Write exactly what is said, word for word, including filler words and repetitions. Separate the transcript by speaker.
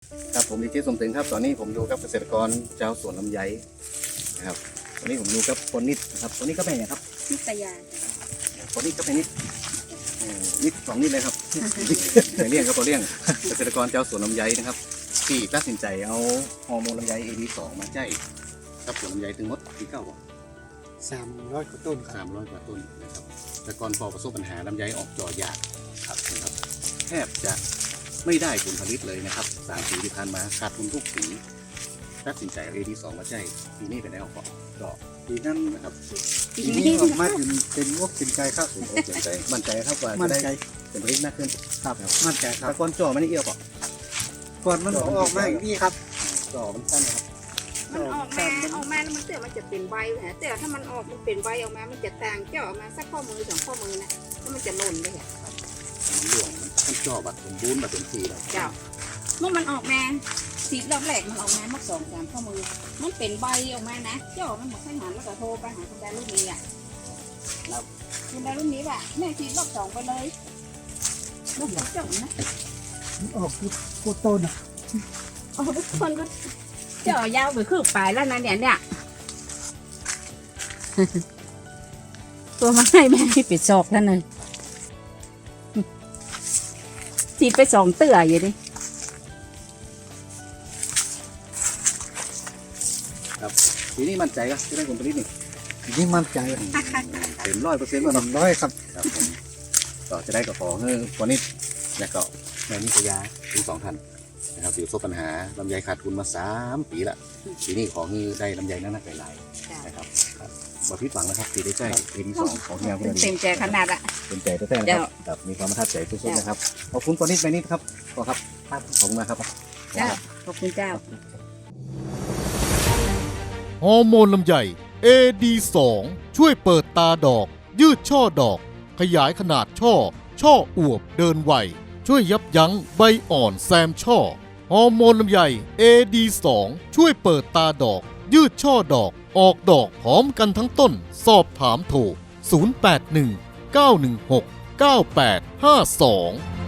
Speaker 1: ครับผมดีเจสมถึงครับตอนนี้ผมอยู่กับเกษตรกรชาวสวนลำไยนะครับตอนนี้ผมอยู่กับคนนิดนะครับคนนี้ก็เป็นไงครับ
Speaker 2: นิตยา
Speaker 1: คนนี้ก็เป็นนิดเอ่อนิดสองนิดเลยครับไปเลี้ยงครับตัวเลี้ยงเกษตรกรชาวสวนลำไยนะครับที่ตัดสินใจเอาฮอร์โมนลำไย เอ ดี สอง มาใช้กับสวนลำไยถึงหมดที่เก้าบ่
Speaker 3: สามร้อยกว่าต้นค
Speaker 1: สา
Speaker 3: รับ
Speaker 1: มร้อยกว่าต้นนะครับแต่ก่อนพอประสบปัญหาลำไยออกจอยากครับนะครับแทบจะไม่ได้ผลผลิตเลยนะครับสามปีที่ผ่านมาขาดทุนทุกปีตัดสินใจเอา เอ ดี สอง มาใช้ปีนี้เป็นได้ออกก็ปีนั้นนะครับ
Speaker 3: ทีนี้ออกมาเป็นเป็นวกเป็นใจครับ
Speaker 1: ผมก็สนใจมั่นใจครับว่า
Speaker 3: มั่
Speaker 1: จะ
Speaker 3: นใจ
Speaker 1: ได้เป็นผลิตมากขึ้น
Speaker 3: ครับมั่นใจครั
Speaker 1: แต่
Speaker 3: บ
Speaker 1: ก่อนจ่อไม่ได้เอี่ยวป่ะ
Speaker 3: ก่อนมันออกมาอย่างนี้ครับ
Speaker 1: จ่อมันสั้นนะครับ
Speaker 2: มันออกมาออกมาแล้วมันเตือมันจะเป็นใบแหละแต่ถ้ามันออกมันเป็นใบออกมา มันจะต่างเจาะออกมาสักข้อมือสองข้อมือนะแล้วมันจะหล่นไปเหรอ
Speaker 1: มันหลวงมันขั้นจ่อบัดสมบูรณ์บัดเต็มที่แล้ว
Speaker 2: เจ้าเมื่อมันออกมาสีรอบแรกมันออกมามักสองสามข้อมือ มันเป็นใบออกมานะเจาะมันหมดให้หันแล้วก็โทรไปหาคุณดารุ่นนี้อ่ะแล้วคุณดารุ่นนี้ว่าแม่สีรอบสองไปเลยรอบสองเจาะนะ
Speaker 3: ออกโคตรต้นอ่ะ
Speaker 2: โอ้ทุกคนก็เจาะยาวไปครึ่งปลายแล้วนะเนี่ยเนี่ย ตัวมาให้แม่ให้ปิดศอกแล้วเลยจีบไปสองเตื่ออยู่ดิ
Speaker 1: ครับปีนี้มั่นใจก็จะได้ผลผลิตนี่
Speaker 3: ทีนี้มั่นใจ
Speaker 1: เต็มร้อยเปอร์เซ็นต์แล้ว
Speaker 3: สา
Speaker 1: เนาะ
Speaker 3: มร้อยครับ
Speaker 1: ครับผมก็จะได้กระป๋องเฮ้วันนี้แล้วก็แม่นิตยาทั้งสองท่านนะครับที่ประสบปัญหาลำไยขาดทุนมาสามปีละปีนี้ขอให้ได้ลำไยนั่นนักหลายๆนะครับครับบ่ผิดหวังนะครับที่ได้ใช้เอ็นสองของงานคุณ
Speaker 2: เต็มใจขนาดอะ
Speaker 1: เป็นใจแท้ๆนะครับครับมีความประทับใจสุดๆนะครับขอบคุณกอนิดไปนิดครับขอครับขอบคุณมากครับ
Speaker 2: เจ้าขอบคุณเจ้า
Speaker 4: ฮอร์โมนลำไย เอ ดี สอง ช่วยเปิดตาดอก ยืดช่อดอก ขยายขนาดช่อ ช่ออวบเดินไว ช่วยยับยั้งใบอ่อนแซมช่อ ฮอร์โมนลำไย เอ ดี สอง ช่วยเปิดตาดอก ยืดช่อดอก ออกดอกพร้อมกันทั้งต้น สอบถามโทร ศูนย์ แปด หนึ่ง เก้า หนึ่ง หก เก้า แปด ห้า สอง